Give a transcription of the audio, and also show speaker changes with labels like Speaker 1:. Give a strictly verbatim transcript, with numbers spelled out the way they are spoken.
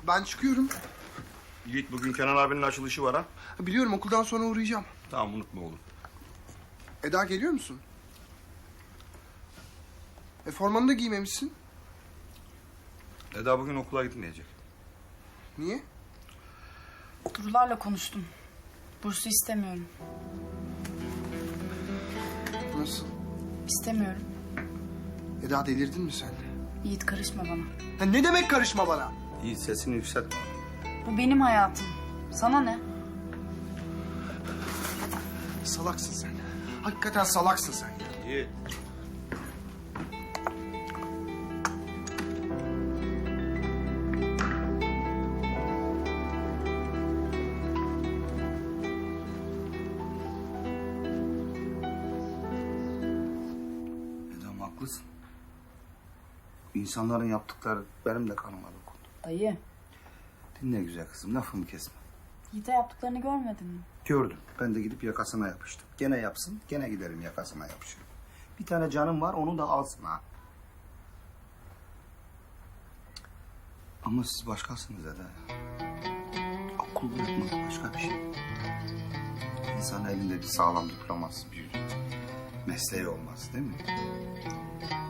Speaker 1: Ben çıkıyorum.
Speaker 2: Yiğit, bugün Kenan abinin açılışı var ha.
Speaker 1: Biliyorum, okuldan sonra uğrayacağım.
Speaker 2: Tamam, unutma oğlum.
Speaker 1: Eda, geliyor musun? E formanı da giymemişsin.
Speaker 2: Eda bugün okula gitmeyecek.
Speaker 1: Niye?
Speaker 3: Durularla konuştum. Bursu istemiyorum.
Speaker 1: Nasıl?
Speaker 3: İstemiyorum.
Speaker 1: Eda, delirdin mi sen?
Speaker 3: Yiğit, karışma bana.
Speaker 1: Ha, ne demek karışma bana?
Speaker 2: Yiğit, sesini yükseltme.
Speaker 3: Bu benim hayatım. Sana ne?
Speaker 1: Salaksın sen. Hakikaten salaksın sen ya.
Speaker 2: Yiğit. Eda'm, haklısın. İnsanların yaptıkları benim de kanıma dokundu.
Speaker 3: Dayı,
Speaker 2: Dinle güzel kızım, lafımı kesme.
Speaker 3: Yiğit'e yaptıklarını görmedin mi?
Speaker 2: Gördüm. Ben de gidip yakasına yapıştım. Gene yapsın, gene giderim yakasına yapışırım. Bir tane canım var, onu da alsın ha. Ama siz başkasınız Eda. Okul bırakmak başka bir şey. İnsan elinde bir sağlam diploması, bir mesleği olmaz değil mi?